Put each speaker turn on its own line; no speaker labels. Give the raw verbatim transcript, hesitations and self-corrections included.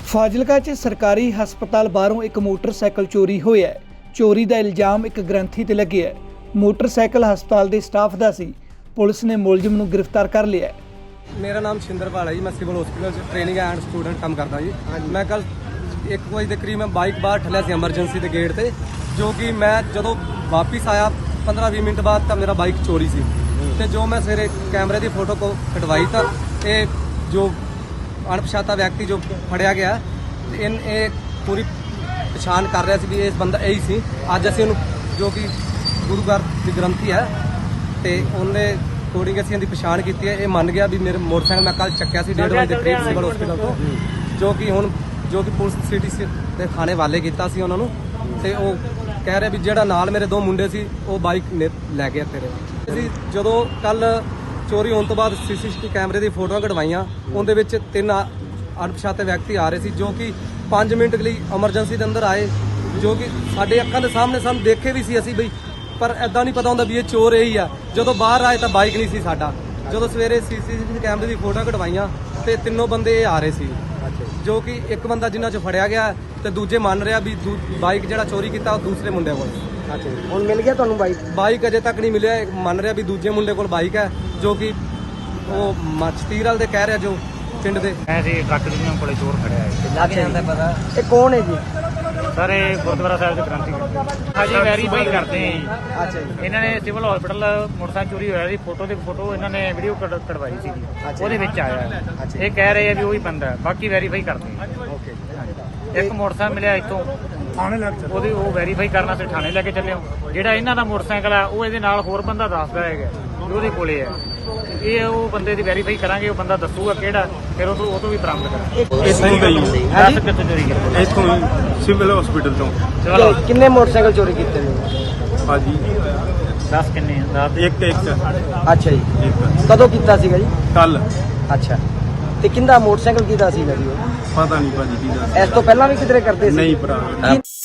ਫਾਜ਼ਿਲਕਾ 'ਚ ਸਰਕਾਰੀ ਹਸਪਤਾਲ ਬਾਹਰੋਂ ਇੱਕ ਮੋਟਰਸਾਈਕਲ ਚੋਰੀ ਹੋਇਆ ਹੈ। ਚੋਰੀ ਦਾ ਇਲਜ਼ਾਮ ਇੱਕ ਗ੍ਰੰਥੀ ਤੇ ਲੱਗਿਆ ਹੈ। ਮੋਟਰਸਾਈਕਲ ਹਸਪਤਾਲ ਦੇ ਸਟਾਫ ਦਾ ਸੀ। ਪੁਲਿਸ ਨੇ ਮੁਲਜ਼ਮ ਨੂੰ ਗ੍ਰਿਫਤਾਰ ਕਰ ਲਿਆ ਹੈ।
मेरा नाम छिंदरपाल है जी। मैं सिविल हॉस्पिटल से ट्रेनिंग एंड स्टूडेंट काम करता जी। मैं कल एक बजे के करीब मैं बाइक बाहर ठलिया सी एमरजेंसी के गेट से, जो कि मैं जो वापस आया पंद्रह भी मिनट बाद तो मेरा बाइक चोरी सी। ते जो मैं सवेरे कैमरे की फोटो को कटवाई तो ये जो अणपछाता व्यक्ति जो फड़िया गया इन ये पूरी पछाण कर रहा सी भी इस बंदा यही सी। अज असीं उहनूं जो कि गुरु घर की ग्रंथी है तो उन्हें अकॉर्डिंग असीं इहदी पछाण कीती है। ये मन गया भी मेरे मोटरसाइकिल मैं कल चक्या सी डेढ़ बजे करीब सिविल हॉस्पिटल तो, जो कि हुण जो कि पुलिस सिटी के थाने वाले किया सी उन्होंने ते वो कह रहे भी जिहड़ा नाल मेरे दो मुंडे सी वो बाइक लै गया तेरे। ਅਸੀਂ ਜਦੋਂ ਕੱਲ ਚੋਰੀ ਹੋਣ ਤੋਂ ਬਾਅਦ ਸੀਸੀਟੀਵੀ ਕੈਮਰੇ ਦੀ ਫੋਟੋਆਂ ਕਢਵਾਈਆਂ, ਉਹਦੇ ਵਿੱਚ ਤਿੰਨ ਅਣਪਛਾਤੇ ਵਿਅਕਤੀ ਆ ਰਹੇ ਸੀ ਜੋ ਕਿ ਪੰਜ ਮਿੰਟ ਲਈ ਐਮਰਜੈਂਸੀ ਦੇ ਅੰਦਰ ਆਏ, ਜੋ ਕਿ ਸਾਡੇ ਅੱਖਾਂ ਦੇ ਸਾਹਮਣੇ ਸਾਨੂੰ ਦੇਖੇ ਵੀ ਸੀ ਅਸੀਂ ਬਈ, ਪਰ ਐਦਾਂ ਨਹੀਂ ਪਤਾ ਹੁੰਦਾ ਵੀ ਇਹ ਚੋਰ ਇਹੀ ਆ। ਜਦੋਂ ਬਾਹਰ ਆਏ ਤਾਂ ਬਾਈਕ ਨਹੀਂ ਸੀ ਸਾਡਾ। ਜਦੋਂ ਸਵੇਰੇ ਸੀਸੀਟੀਵੀ ਕੈਮਰੇ ਦੀ ਫੋਟੋਆਂ ਕਢਵਾਈਆਂ ਤੇ ਤਿੰਨੋਂ ਬੰਦੇ ਇਹ ਆ ਰਹੇ ਸੀ, ਜੋ ਕਿ ਇੱਕ ਬੰਦਾ ਜਿਨ੍ਹਾਂ 'ਚੋਂ ਫੜਿਆ ਗਿਆ ਤੇ ਦੂਜੇ ਮੰਨ ਰਿਹਾ ਵੀ ਬਾਈਕ ਜਿਹੜਾ ਚੋਰੀ ਕੀਤਾ ਉਹ ਦੂਸਰੇ ਮੁੰਡੇ ਕੋਲ।
ਅੱਛਾ, ਹੁਣ ਮਿਲ ਗਿਆ ਤੁਹਾਨੂੰ ਬਾਈਕ?
ਬਾਈਕ ਅਜੇ ਤੱਕ ਨਹੀਂ ਮਿਲਿਆ। ਮੰਨ ਰਿਹਾ ਵੀ ਦੂਜੇ ਮੁੰਡੇ ਕੋਲ ਬਾਈਕ ਹੈ, ਜੋ ਕਿ ਉਹ ਮਚਤੀਰਲ ਦੇ ਕਹਿ ਰਿਹਾ ਜੋ ਪਿੰਡ ਦੇ।
ਐਸੇ ਟਰੱਕ ਯੂਨੀਅਨ ਕੋਲੇ ਚੋਰ ਖੜਿਆ ਹੈ।
ਲੱਗ ਜਾਂਦਾ ਪਤਾ ਇਹ ਕੌਣ ਹੈ ਜੀ?
ਸਰ ਇਹ ਗੁਰਦੁਆਰਾ ਸਾਹਿਬ ਦੇ ਗ੍ਰੰਥੀ ਅਜੇ ਵੈਰੀਫਾਈ ਕਰਦੇ ਆ ਜੀ।
ਅੱਛਾ ਜੀ।
ਇਹਨਾਂ ਨੇ ਸਿਵਲ ਹਸਪੀਟਲ ਮੋਟਰਸਾਈਕਲ ਚੋਰੀ ਹੋਇਆ ਸੀ, ਫੋਟੋ ਦੀ ਫੋਟੋ ਇਹਨਾਂ ਨੇ ਵੀਡੀਓ ਕਢਵਾਈ ਸੀ, ਉਹਦੇ ਵਿੱਚ ਆਇਆ। ਇਹ ਕਹਿ ਰਹੇ ਆ ਵੀ ਉਹੀ ਬੰਦਾ ਹੈ, ਬਾਕੀ ਵੈਰੀਫਾਈ ਕਰਦੇ ਆ।
ਓਕੇ।
ਇੱਕ ਮੋਟਰਸਾਈਕਲ ਮਿਲਿਆ ਇੱਥੋਂ ਥਾਣੇ ਲੈ ਕੇ, ਉਹਦੀ ਉਹ ਵੈਰੀਫਾਈ ਕਰਨ ਵਾਸਤੇ ਥਾਣੇ ਲੈ ਕੇ ਚੱਲੇ ਹੋ। ਜਿਹੜਾ ਇਹਨਾਂ ਦਾ ਮੋਟਰਸਾਈਕਲ ਆ ਉਹ ਇਹਦੇ ਨਾਲ ਹੋਰ ਬੰਦਾ ਦੱਸਦਾ ਹੈਗਾ ਵੀ ਉਹਦੇ ਕੋਲੇ ਹੈ। ਇਹ ਉਹ ਬੰਦੇ ਦੀ ਵੈਰੀਫਾਈ ਕਰਾਂਗੇ, ਉਹ ਬੰਦਾ ਦੱਸੂਗਾ ਕਿਹੜਾ, ਫਿਰ ਉਹ ਤੋਂ ਉਹ ਤੋਂ ਵੀ ਬਰਾਮਦ ਕਰਾਂਗੇ।
ਇੱਥੋਂ ਗਈ
ਦੱਸ ਕਿੱਥੋਂ ਚੋਰੀ ਕੀਤੀ?
ਇੱਥੋਂ ਸਿਵਲ ਹਸਪੀਟਲ ਤੋਂ।
ਚਲੋ
ਕਿੰਨੇ ਮੋਟਰਸਾਈਕਲ ਚੋਰੀ ਕੀਤੇ ਨੇ
ਭਾਜੀ
ਦੱਸ ਕਿੰਨੇ ਦੱਸ।
ਇੱਕ ਇੱਕ
ਅੱਛਾ ਜੀ।
ਇੱਕ
ਕਦੋਂ ਕੀਤਾ ਸੀਗਾ ਜੀ?
ਕੱਲ।
ਅੱਛਾ, ਤੇ ਕਿੰਦਾ ਮੋਟਰਸਾਈਕਲ ਕਿਹਦਾ ਸੀਗਾ ਜੀ ਉਹ?
ਪਤਾ ਨਹੀਂ ਭਾਜੀ ਕੀ ਦੱਸ।
ਇਸ ਤੋਂ ਪਹਿਲਾਂ ਵੀ ਕਿਧਰੇ ਕਰਦੇ ਸੀ?
ਨਹੀਂ ਭਰਾ।